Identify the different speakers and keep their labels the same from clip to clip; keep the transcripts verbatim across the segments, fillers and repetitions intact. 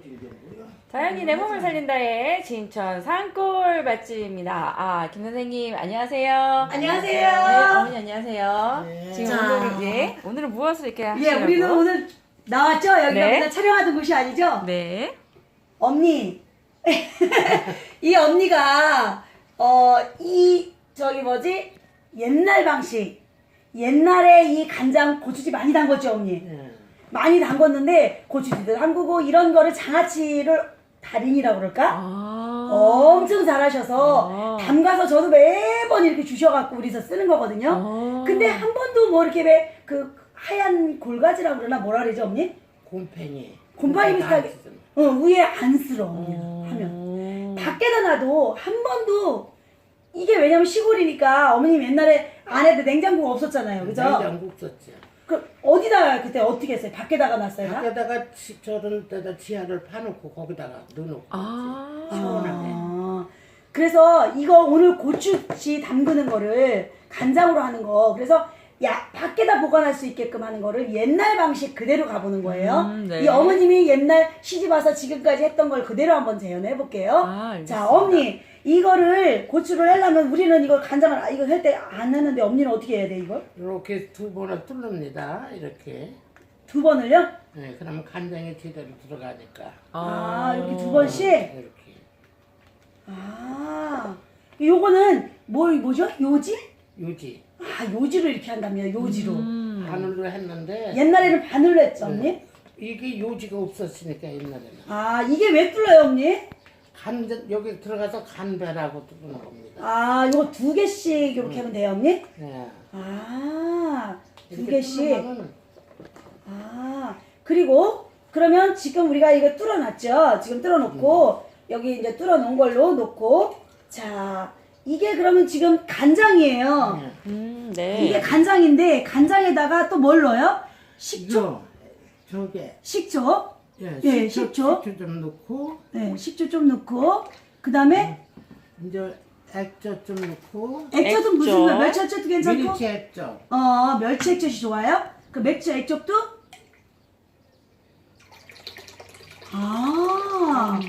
Speaker 1: 자연이 내 몸을 살린다의 진천 산골 맛집입니다. 아, 김 선생님 안녕하세요.
Speaker 2: 안녕하세요.
Speaker 1: 네, 어머니 안녕하세요.
Speaker 2: 네.
Speaker 1: 지금
Speaker 2: 자.
Speaker 1: 오늘은 예, 오늘은 무엇을 이렇게
Speaker 2: 예,
Speaker 1: 하시려고?
Speaker 2: 우리는 오늘 나왔죠? 여기가
Speaker 1: 네.
Speaker 2: 맨날 촬영하던 곳이 아니죠?
Speaker 1: 네.
Speaker 2: 언니. 이 언니가, 어, 이, 저기 뭐지? 옛날 방식. 옛날에 이 간장 고추지 많이 담궜죠, 언니?
Speaker 3: 네.
Speaker 2: 많이 담궜는데, 고추지도 담그고, 이런 거를 장아찌를 달인이라고 그럴까?
Speaker 1: 아.
Speaker 2: 엄청 잘하셔서
Speaker 1: 아.
Speaker 2: 담가서 저도 매번 이렇게 주셔갖고 우리서 쓰는 거거든요.
Speaker 1: 아.
Speaker 2: 근데 한 번도 뭐 이렇게 왜 그 하얀 골가지라고 그러나 뭐라 그러죠, 언니?
Speaker 3: 곰팡이.
Speaker 2: 곰팡이 비슷하게 어, 위에 안 쓸어, 언니
Speaker 1: 어.
Speaker 2: 하면. 밖에다 놔도 한 번도 이게 왜냐면 시골이니까 어머님 옛날에 안에도 냉장고가 없었잖아요, 그죠?
Speaker 3: 냉장고 썼죠.
Speaker 2: 그 어디다가 그때 어떻게 했어요? 밖에다가 놨어요? 다?
Speaker 3: 밖에다가 지- 저런 데다 지하를 파놓고 거기다가 넣어놓고
Speaker 1: 아.
Speaker 3: 시원하게.
Speaker 2: 아, 그래서 이거 오늘 고추씨 담그는 거를 간장으로 하는 거 그래서 야 밖에다 보관할 수 있게끔 하는 거를 옛날 방식 그대로 가보는 거예요.
Speaker 1: 음, 네.
Speaker 2: 이 어머님이 옛날 시집 와서 지금까지 했던 걸 그대로 한번 재현해 볼게요.
Speaker 1: 아, 알겠습니다.
Speaker 2: 자, 어머니 이거를 고추를 하려면 우리는 이거 간장을 아, 이거 할 때 안 하는데 엄니는 어떻게 해야 돼 이걸?
Speaker 3: 이렇게 두 번을 뚫습니다. 이렇게.
Speaker 2: 두 번을요?
Speaker 3: 네, 그러면 간장이 제대로 들어가니까.
Speaker 2: 아, 이렇게 두 번씩?
Speaker 3: 이렇게.
Speaker 2: 아, 요거는 뭐 뭐죠? 요지?
Speaker 3: 유지.
Speaker 2: 아, 요지로 이렇게 한답니다. 요지로.
Speaker 1: 음.
Speaker 3: 바늘로 했는데
Speaker 2: 옛날에는 바늘로 했죠, 언니?
Speaker 3: 네. 이게 요지가 없었으니까 옛날에는.
Speaker 2: 아, 이게 왜 뚫려요, 언니?
Speaker 3: 간 여기 들어가서 간배라고 뚫는 겁니다.
Speaker 2: 아, 요거 두 개씩 이렇게 하면 돼요, 언니?
Speaker 3: 네.
Speaker 2: 아, 두
Speaker 3: 이렇게
Speaker 2: 개씩.
Speaker 3: 뚫으면은
Speaker 2: 아, 그리고 그러면 지금 우리가 이거 뚫어놨죠? 지금 뚫어놓고 여기 이제 뚫어놓은 걸로 놓고 자, 이게 그러면 지금 간장이에요.
Speaker 3: 네.
Speaker 1: 음, 네.
Speaker 2: 이게 간장인데 간장에다가 또 뭘 넣어요? 식초?
Speaker 3: 이거 저게
Speaker 2: 식초?
Speaker 3: 예,
Speaker 2: 예,
Speaker 3: 식초,
Speaker 2: 식초.
Speaker 3: 식초 좀 넣고
Speaker 2: 네, 식초 좀 넣고 그 다음에
Speaker 3: 이제 액젓 좀 넣고
Speaker 2: 액젓은 무슨
Speaker 1: 액젓.
Speaker 2: 거야? 멸치 액젓도 괜찮고?
Speaker 3: 미리치 액젓.
Speaker 2: 어, 멸치 액젓이 좋아요? 그 맥주 액젓도? 아.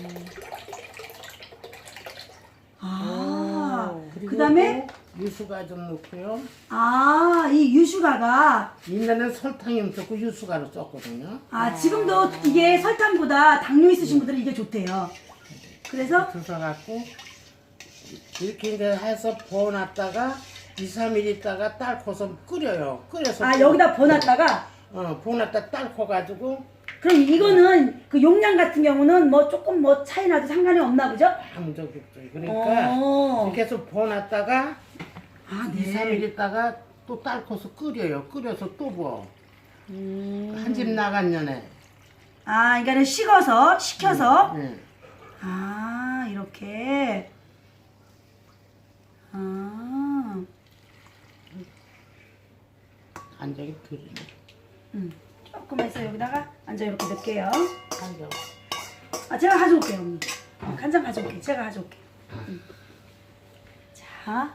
Speaker 2: 아.
Speaker 3: 그리고
Speaker 2: 그 다음에,
Speaker 3: 또 유수가 좀 넣고요.
Speaker 2: 아, 이 유수가가,
Speaker 3: 옛날에는 설탕이 없었고 유수가로 썼거든요.
Speaker 2: 아, 지금도 이게 설탕보다 당뇨 있으신 분들은 이게 좋대요. 그래서,
Speaker 3: 드셔갖고 이렇게 이제 해서 부어놨다가 이, 삼 일 있다가 딸코서 끓여요. 끓여서
Speaker 2: 아, 여기다 버놨다가,
Speaker 3: 어, 부어놨다 딸코가지고
Speaker 2: 그럼 이거는 그 용량 같은 경우는 뭐 조금 뭐 차이 나도 상관이 없나 보죠?
Speaker 3: 아무 적이 없어요. 그러니까
Speaker 2: 어.
Speaker 3: 이렇게 해서 부어놨다가
Speaker 2: 아,
Speaker 3: 이, 삼 일 있다가 또 딸코서 끓여요. 끓여서 또 부어.
Speaker 1: 음.
Speaker 3: 한 집 나간 년에.
Speaker 2: 아, 그러니까는 식어서, 식혀서,
Speaker 3: 네.
Speaker 2: 아, 이렇게. 아,
Speaker 3: 간장이 들이네.
Speaker 2: 음. 조금 해서 여기다가 앉아 이렇게 넣을게요.
Speaker 3: 간장.
Speaker 2: 아, 제가 가져올게요, 언니. 어, 간장 가져올게요. 제가 가져올게요. 음. 자.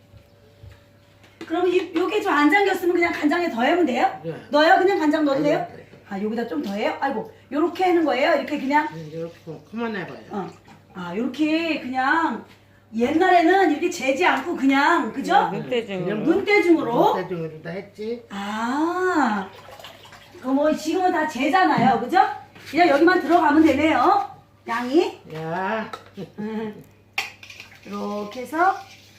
Speaker 2: 그럼 이, 요게 좀 안 잠겼으면 그냥 간장에 더 하면 돼요?
Speaker 3: 네.
Speaker 2: 넣어요? 그냥 간장 넣어도 돼요?
Speaker 3: 네, 네.
Speaker 2: 아, 여기다 좀 더 해요? 아이고, 요렇게 하는 거예요? 이렇게 그냥?
Speaker 3: 네, 이렇게 그만해봐요.
Speaker 2: 어. 아, 요렇게 그냥 옛날에는 이렇게 재지 않고 그냥, 그죠?
Speaker 1: 눈대중으로.
Speaker 2: 눈대중으로?
Speaker 3: 눈대중으로 다 했지.
Speaker 2: 아, 그 뭐 지금은 다 재잖아요, 그죠? 그냥 여기만 들어가면 되네요. 양이
Speaker 3: 야,
Speaker 2: 음. 이렇게 해서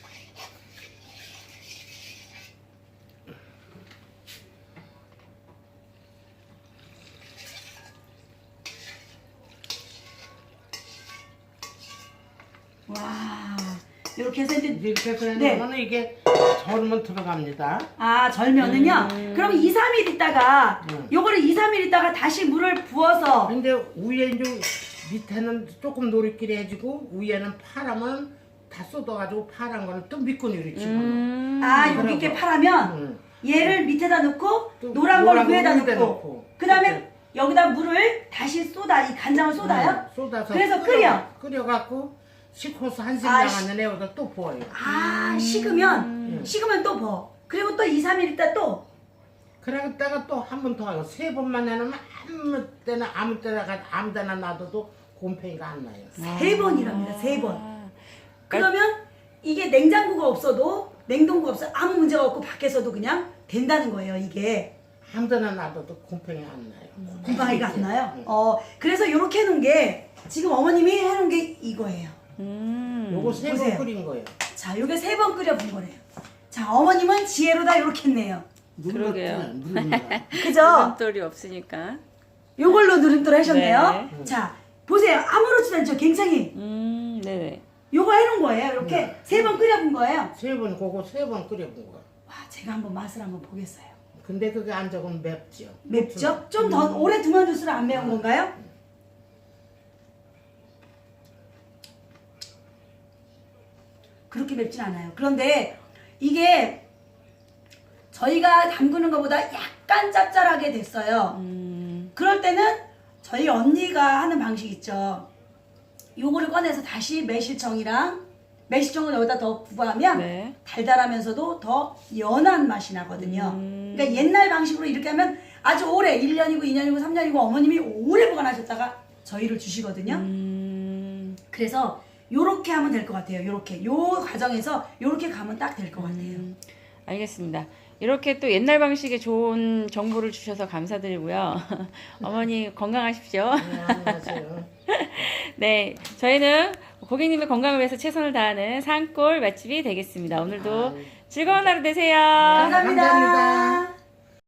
Speaker 2: 와, 이렇게 해서 이제
Speaker 3: 이렇게 해서
Speaker 2: 네.
Speaker 3: 해놓으면 이게 절면 들어갑니다.
Speaker 2: 아, 절면은요? 그럼 이, 삼 일 있다가
Speaker 3: 음.
Speaker 2: 요거를 이, 삼 일 있다가 다시 물을 부어서
Speaker 3: 근데 위에 이제 밑에는 조금 노릇끼리 해주고 위에는 파라면 다 쏟아가지고 파란 거는 또 밑건으로 집어넣어.
Speaker 1: 음.
Speaker 2: 아, 여기
Speaker 3: 그러고.
Speaker 2: 이렇게 파라면
Speaker 3: 응.
Speaker 2: 얘를 밑에다 넣고
Speaker 3: 또
Speaker 2: 노란 걸
Speaker 3: 노란 거
Speaker 2: 위에다
Speaker 3: 위에다
Speaker 2: 넣고
Speaker 3: 넣고.
Speaker 2: 그 다음에
Speaker 3: 그렇게.
Speaker 2: 여기다 물을 다시 쏟아 이 간장을 쏟아요?
Speaker 3: 응, 쏟아서
Speaker 2: 그래서 끓여.
Speaker 3: 끓여갖고 식호수 한식
Speaker 2: 아,
Speaker 3: 나가는 애보다 또 부어요.
Speaker 2: 아, 식으면
Speaker 3: 음.
Speaker 2: 식으면 또 버. 그리고 또 이, 삼 일 있다 또
Speaker 3: 그러다가 또 한 번 더 하고 세 번만 해놓으면 아무 때나 아무 때나 가- 아무 데나 놔둬도 곰팡이가 안 나요.
Speaker 2: 세 번이랍니다. 세 번.
Speaker 1: 아,
Speaker 2: 그러면 이게 냉장고가 없어도 냉동고가 없어 아무 문제가 없고 밖에서도 그냥 된다는 거예요. 이게
Speaker 3: 아무 데나 놔둬도 곰팡이 안 나요.
Speaker 2: 곰팡이가 안 나요.
Speaker 3: 응.
Speaker 2: 어 그래서 이렇게 해놓은 게 지금 어머님이 해놓은 게 이거예요.
Speaker 1: 음.
Speaker 3: 요거 세 번
Speaker 2: 보세요.
Speaker 3: 끓인 거예요.
Speaker 2: 자, 요게 세 번 끓여본 거래요. 자, 어머님은 지혜로 다 이렇게 했네요.
Speaker 1: 그러게요.
Speaker 3: 누른다.
Speaker 2: 그죠?
Speaker 1: 돌이 없으니까.
Speaker 2: 요걸로 누름돌 하셨네요.
Speaker 1: 네.
Speaker 2: 자, 보세요. 아무렇지도 않죠. 굉장히
Speaker 1: 음, 네네.
Speaker 2: 요거 해놓은 거예요. 이렇게
Speaker 3: 네.
Speaker 2: 세 번 끓여본 거예요.
Speaker 3: 세 번 그거 세 번 끓여본 거야.
Speaker 2: 와, 제가 한번 맛을 한번 보겠어요.
Speaker 3: 근데 그게 안 적으면 맵죠.
Speaker 2: 맵죠? 좀 더 오래 두면 둘수록 안 매운 건가요? 그렇게 맵진 않아요. 그런데 이게 저희가 담그는 것보다 약간 짭짤하게 됐어요.
Speaker 1: 음,
Speaker 2: 그럴 때는 저희 언니가 하는 방식 있죠. 요거를 꺼내서 다시 매실청이랑 매실청을 여기다 더 부과하면
Speaker 1: 네.
Speaker 2: 달달하면서도 더 연한 맛이 나거든요.
Speaker 1: 음.
Speaker 2: 그러니까 옛날 방식으로 이렇게 하면 아주 오래 일 년이고 이 년이고 삼 년이고 어머님이 오래 보관하셨다가 저희를 주시거든요.
Speaker 1: 음,
Speaker 2: 그래서 요렇게 하면 될 것 같아요. 요렇게 요 과정에서 요렇게 가면 딱 될 것 같아요.
Speaker 1: 음, 알겠습니다. 이렇게 또 옛날 방식의 좋은 정보를 주셔서 감사드리고요. 어머니 건강하십시오.
Speaker 3: 네, 안녕하세요.
Speaker 1: 네, 저희는 고객님의 건강을 위해서 최선을 다하는 산골 맛집이 되겠습니다. 오늘도
Speaker 3: 아,
Speaker 1: 즐거운 하루 되세요.
Speaker 2: 감사합니다.
Speaker 3: 감사합니다.